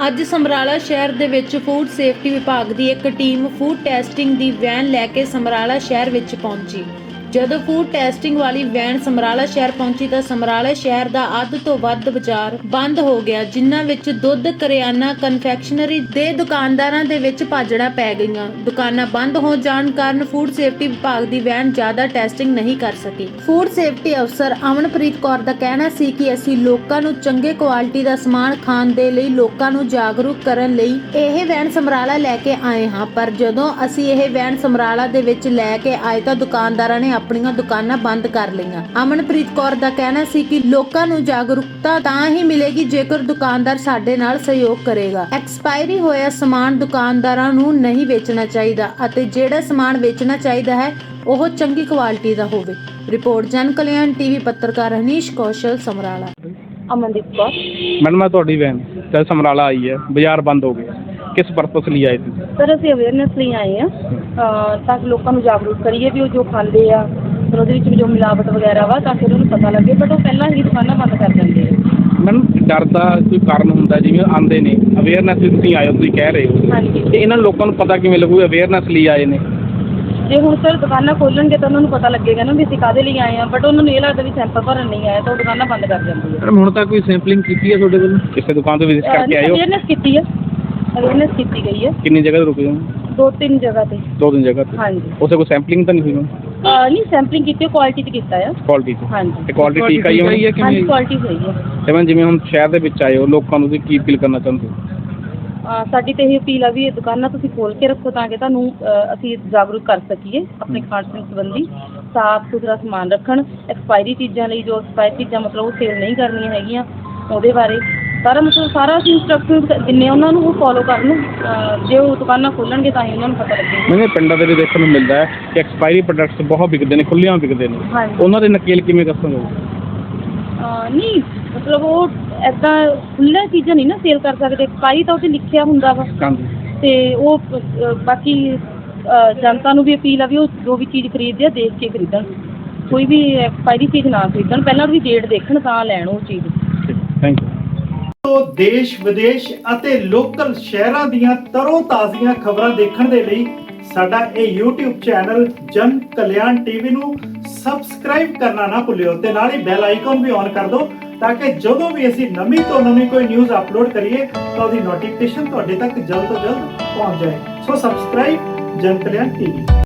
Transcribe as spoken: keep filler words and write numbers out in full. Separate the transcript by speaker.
Speaker 1: ਅੱਜ ਸਮਰਾਲਾ ਸ਼ਹਿਰ ਦੇ ਵਿੱਚ ਫੂਡ ਸੇਫਟੀ ਵਿਭਾਗ ਦੀ ਇੱਕ ਟੀਮ ਫੂਡ ਟੈਸਟਿੰਗ ਦੀ ਵੈਨ ਲੈ ਕੇ ਸਮਰਾਲਾ ਸ਼ਹਿਰ ਵਿੱਚ ਪਹੁੰਚੀ। ਜਦੋਂ ਫੂਡ ਟੈਸਟਿੰਗ ਵਾਲੀ ਵੈਨ ਸਮਰਾਲਾ ਸ਼ਹਿਰ ਪਹੁੰਚੀ ਤਾਂ ਸਮਰਾਲਾ ਸ਼ਹਿਰ ਦਾ ਅੱਧ ਤੋਂ ਵੱਧ ਬਾਜ਼ਾਰ ਬੰਦ ਹੋ ਗਿਆ, ਜਿਨ੍ਹਾਂ ਵਿੱਚ ਦੁੱਧ, ਕਰਿਆਨਾ, ਕਨਫੈਕਸ਼ਨਰੀ ਦੇ ਦੁਕਾਨਦਾਰਾਂ ਦੇ ਵਿੱਚ ਭਾਜੜਾਂ ਪੈ ਗਈਆਂ। ਦੁਕਾਨਾਂ ਬੰਦ ਹੋ ਜਾਣ ਕਾਰਨ ਫੂਡ ਸੇਫਟੀ ਵਿਭਾਗ ਦੀ ਵੈਨ ਜ਼ਿਆਦਾ ਟੈਸਟਿੰਗ ਨਹੀਂ ਕਰ ਸਕੀ। ਫੂਡ ਸੇਫਟੀ ਅਫਸਰ ਅਮਨਪ੍ਰੀਤ ਕੌਰ ਦਾ ਕਹਿਣਾ ਸੀ ਕਿ ਅਸੀਂ ਲੋਕਾਂ ਨੂੰ ਚੰਗੇ ਕੁਆਲਿਟੀ ਦਾ ਸਮਾਨ ਖਾਣ ਦੇ ਲਈ ਲੋਕਾਂ ਨੂੰ ਜਾਗਰੂਕ ਕਰਨ ਲਈ ਇਹ ਵੈਨ ਸਮਰਾਲਾ ਲੈ ਕੇ ਆਏ ਹਾਂ, ਪਰ ਜਦੋਂ ਅਸੀਂ ਇਹ ਵੈਨ ਸਮਰਾਲਾ ਦੇ ਵਿੱਚ ਲੈ ਕੇ ਆਏ ਤਾਂ ਦੁਕਾਨਦਾਰਾਂ ਨੇ ਆਪਣੀਆਂ ਦੁਕਾਨਾਂ ਬੰਦ ਕਰ ਲਈਆਂ। ਅਮਨਪ੍ਰੀਤ ਕੌਰ ਦਾ ਕਹਿਣਾ ਸੀ ਕਿ ਲੋਕਾਂ ਨੂੰ ਜਾਗਰੂਕਤਾ ਤਾਂ ਹੀ ਮਿਲੇਗੀ ਜੇਕਰ ਦੁਕਾਨਦਾਰ ਸਾਡੇ ਨਾਲ ਸਹਿਯੋਗ ਕਰੇਗਾ। ਐਕਸਪਾਇਰੀ ਹੋਇਆ ਸਮਾਨ ਦੁਕਾਨਦਾਰਾਂ ਨੂੰ ਨਹੀਂ ਵੇਚਣਾ ਚਾਹੀਦਾ ਅਤੇ ਜਿਹੜਾ ਸਮਾਨ ਵੇਚਣਾ ਚਾਹੀਦਾ ਹੈ ਉਹ ਚੰਗੀ ਕੁਆਲਿਟੀ ਦਾ ਹੋਵੇ। ਰਿਪੋਰਟ ਜਨ ਕਲਿਆਣ ਟੀਵੀ ਪੱਤਰਕਾਰ ਹਨੀਸ਼ ਕੌਸ਼ਲ, ਸਮਰਾਲਾ।
Speaker 2: ਅਮਨਦੀਪ ਕੌਰ।
Speaker 3: मैडम मैं ਤੁਹਾਡੀ ਵੈਨ ਤੇ ਸਮਰਾਲਾ ਆਈ ਹੈ, ਬਾਜ਼ਾਰ ਬੰਦ ਹੋ ਗਿਆ, ਕਿਸ ਪਰਪਸ ਲਈ ਆਏ ਤੁਸੀਂ?
Speaker 2: ਸਰ ਅਸੀਂ ਅਵੇਅਰਨੈਸ ਲਈ ਆਏ ਹਾਂ ਤਾਂ ਕਿ ਲੋਕਾਂ ਨੂੰ ਜਾਗਰੂਕ ਕਰੀਏ ਵੀ ਉਹ ਜੋ ਖਾਂਦੇ ਆ ਫਿਰ ਉਹਦੇ ਵਿੱਚ ਜੋ ਮਿਲਾਵਟ ਵਗੈਰਾ ਵਾ ਤਾਂ ਕਿ ਉਹਨਾਂ ਨੂੰ ਪਤਾ ਲੱਗੇ, ਬਟ ਉਹ ਪਹਿਲਾਂ ਹੀ ਦੁਕਾਨਾਂ ਬੰਦ ਕਰ ਦਿੰਦੇ ਆ।
Speaker 3: ਮੈਡਮ ਡਰ ਦਾ ਕੋਈ ਕਾਰਨ ਹੁੰਦਾ, ਜਿਵੇਂ ਆਉਂਦੇ ਨੇ ਅਵੇਅਰਨੈਸ ਵੀ ਤੁਸੀਂ ਆਏ ਹੋ, ਤੁਸੀਂ ਕਹਿ ਰਹੇ ਹੋ,
Speaker 2: ਹਾਂਜੀ,
Speaker 3: ਤੇ ਇਹਨਾਂ ਲੋਕਾਂ ਨੂੰ ਪਤਾ ਕਿਵੇਂ ਲੱਗੂ ਅਵੇਅਰਨੈਸ ਲਈ ਆਏ ਨੇ?
Speaker 2: ਜੇ ਹੁਣ ਸਰ ਦੁਕਾਨਾਂ ਖੋਲਣਗੇ ਤਾਂ ਉਹਨਾਂ ਨੂੰ ਪਤਾ ਲੱਗੇਗਾ ਨਾ ਵੀ ਅਸੀਂ ਕਾਹਦੇ ਲਈ ਆਏ ਹਾਂ, ਬਟ ਉਹਨਾਂ ਨੂੰ ਇਹ ਲੱਗਦਾ ਵੀ ਸੈਂਪਲ ਭਰਨ ਨਹੀਂ ਆਇਆ ਤਾਂ ਉਹ ਦੁਕਾਨਾਂ ਬੰਦ ਕਰ ਜਾਂਦੀ ਹੈ।
Speaker 3: ਮੈਡਮ ਹੁਣ ਤੱਕ ਕੋਈ ਸੈਂਪਲਿੰਗ ਕੀਤੀ ਹੈ ਤੁਹਾਡੇ ਵੱਲੋਂ? ਕਿਸੇ ਦੁਕਾਨ ਤੋਂ ਵਿਜ਼ਿਟ ਕਰਕੇ ਆਏ ਹੋ?
Speaker 2: ਅਵੇਅਰਨੈਸ ਕੀਤੀ ਹੈ, ਅਵੇਅਰਨੈਸ ਕੀਤੀ ਗਈ ਹੈ।
Speaker 3: ਕਿੰਨੀ ਜਗ੍ਹਾ ਤੇ ਰੁਕੇ ਹੋ?
Speaker 2: ਦੋ ਤਿੰਨ ਜਗ੍ਹਾ ਤੇ।
Speaker 3: ਦੋ ਤਿੰਨ ਜਗ੍ਹਾ ਤੇ?
Speaker 2: ਹਾਂਜੀ।
Speaker 3: ਉਸੇ ਕੋਈ ਸੈਂਪਲਿੰਗ ਤਾਂ ਨਹੀਂ ਹੋਈ?
Speaker 2: ਅਹ ਨਹੀਂ, ਸੈਂਪਲਿੰਗ ਕੀਤੀ ਹੈ, ਕੁਆਲਿਟੀ ਤੇ ਕੀਤਾ ਆ।
Speaker 3: ਕੁਆਲਿਟੀ ਤੇ?
Speaker 2: ਹਾਂਜੀ।
Speaker 3: ਤੇ ਕੁਆਲਿਟੀ ਠੀਕ ਆਈ ਹੋਈ ਹੈ ਕਿ
Speaker 2: ਹਾਂਜੀ,
Speaker 3: ਨਹੀਂ?
Speaker 2: ਕੁਆਲਿਟੀ ਸਹੀ ਹੈ।
Speaker 3: ਤੇ ਮੈਂ ਜਿਵੇਂ ਹੁਣ ਸ਼ਹਿਰ ਦੇ ਵਿੱਚ ਆਏ ਹੋ, ਲੋਕਾਂ ਨੂੰ ਤੁਸੀਂ ਕੀ ਅਪੀਲ ਕਰਨਾ ਚਾਹੁੰਦੇ ਹੋ?
Speaker 2: ਅਹ ਸਾਡੀ ਤਾਂ ਇਹ ਅਪੀਲ ਆ ਵੀ ਇਹ ਦੁਕਾਨਾਂ ਤੁਸੀਂ ਖੋਲ੍ਹ ਕੇ ਰੱਖੋ ਤਾਂ ਕਿ ਤੁਹਾਨੂੰ ਅਹ ਅਸੀਂ ਜਾਗਰੂਕ ਕਰ ਸਕੀਏ ਆਪਣੇ ਖਾਣ ਪੀਣ ਸੰਬੰਧੀ। ਸਾਫ਼ ਸੁਥਰਾ ਸਮਾਨ ਰੱਖਣ, ਐਕਸਪਾਇਰੀ ਚੀਜ਼ਾਂ ਲਈ ਜੋ ਐਕਸਪਾਇਰੀ ਚੀਜ਼ਾਂ ਮਤਲਬ ਉਹ ਸੇਲ ਨਹੀਂ ਕਰਨੀਆਂ ਹੈਗੀਆਂ, ਉਹਦੇ ਬਾਰੇ ਸਾਰਾ ਮਤਲਬ ਸਾਰਾ ਅਸੀਂ ਇੰਸਟਰਕਸ਼ਨ ਦਿੰਦੇ ਉਹਨਾਂ ਨੂੰ, ਉਹ ਫੋਲੋ ਕਰਨ। ਜੇ ਉਹ ਦੁਕਾਨਾਂ ਖੋਲ੍ਹਣਗੇ ਤਾਂ ਹੀ ਉਹਨਾਂ ਨੂੰ ਪਤਾ ਲੱਗੇਗਾ।
Speaker 3: ਮੈਨੂੰ ਪਿੰਡਾਂ ਦੇ ਵਿੱਚ ਦੇਖਣ ਨੂੰ ਮਿਲਦਾ ਹੈ ਕਿ ਐਕਸਪਾਇਰੀ ਪ੍ਰੋਡਕਟਸ ਬਹੁਤ ਵਿਕਦੇ ਨੇ, ਖੁੱਲ੍ਹਿਆਂ ਵਿਕਦੇ ਨੇ,
Speaker 2: ਹਾਂਜੀ।
Speaker 3: ਉਹਨਾਂ ਦੇ ਨਕੇਲ ਕਿਵੇਂ ਦੱਸੋਗੇ?
Speaker 2: ਨਹੀਂ ਮਤਲਬ ਉਹ ਇੱਦਾਂ ਖੁੱਲ੍ਹੀਆਂ ਚੀਜ਼ਾਂ ਨਹੀਂ ਨਾ ਸੇਲ ਕਰ ਸਕਦੇ, ਐਕਸਪਾਇਰੀ ਤਾਂ ਉਹ 'ਤੇ ਲਿਖਿਆ ਹੁੰਦਾ ਵਾ।
Speaker 3: ਹਾਂਜੀ।
Speaker 2: ਅਤੇ ਉਹ ਅ, ਬਾਕੀ ਅ, ਜਨਤਾ ਨੂੰ ਵੀ ਅਪੀਲ ਆ ਵੀ ਉਹ ਜੋ ਵੀ ਚੀਜ਼ ਖਰੀਦਦੇ ਆ ਦੇਖ ਕੇ ਖਰੀਦਣ, ਕੋਈ ਵੀ ਐਕਸਪਾਇਰੀ ਚੀਜ਼ ਨਾ ਖਰੀਦਣ, ਪਹਿਲਾਂ ਉਹਦੀ ਡੇਟ ਦੇਖਣ ਤਾਂ ਲੈਣ ਉਹ ਚੀਜ਼।
Speaker 3: Thank you.
Speaker 4: ਦੇਸ਼ ਵਿਦੇਸ਼ ਅਤੇ ਲੋਕਲ ਸ਼ਹਿਰਾਂ ਦੀਆਂ ਤਰੋ ਤਾਜ਼ੀਆਂ ਖਬਰਾਂ ਦੇਖਣ ਦੇ ਲਈ ਸਾਡਾ ਇਹ YouTube ਚੈਨਲ ਜਨ ਕਲਿਆਣ ਟੀਵੀ ਨੂੰ ਸਬਸਕ੍ਰਾਈਬ ਕਰਨਾ ਨਾ ਭੁੱਲਿਓ ਤੇ ਨਾਲ ਹੀ ਬੈਲ ਆਈਕਨ ਵੀ ਔਨ ਕਰ ਦਿਓ ਤਾਂ ਕਿ ਜਦੋਂ ਵੀ ਅਸੀਂ ਨਵੀਂ ਤੋਂ ਨਵੀਂ ਕੋਈ ਨਿਊਜ਼ ਅਪਲੋਡ ਕਰੀਏ ਤਾਂ ਉਹਦੀ ਨੋਟੀਫਿਕੇਸ਼ਨ ਤੁਹਾਡੇ ਤੱਕ ਜਲਦ ਤੋਂ ਜਲਦ ਪਹੁੰਚ ਜਾਏ। ਸੋ ਸਬਸਕ੍ਰਾਈਬ ਜਨ ਕਲਿਆਣ ਟੀਵੀ।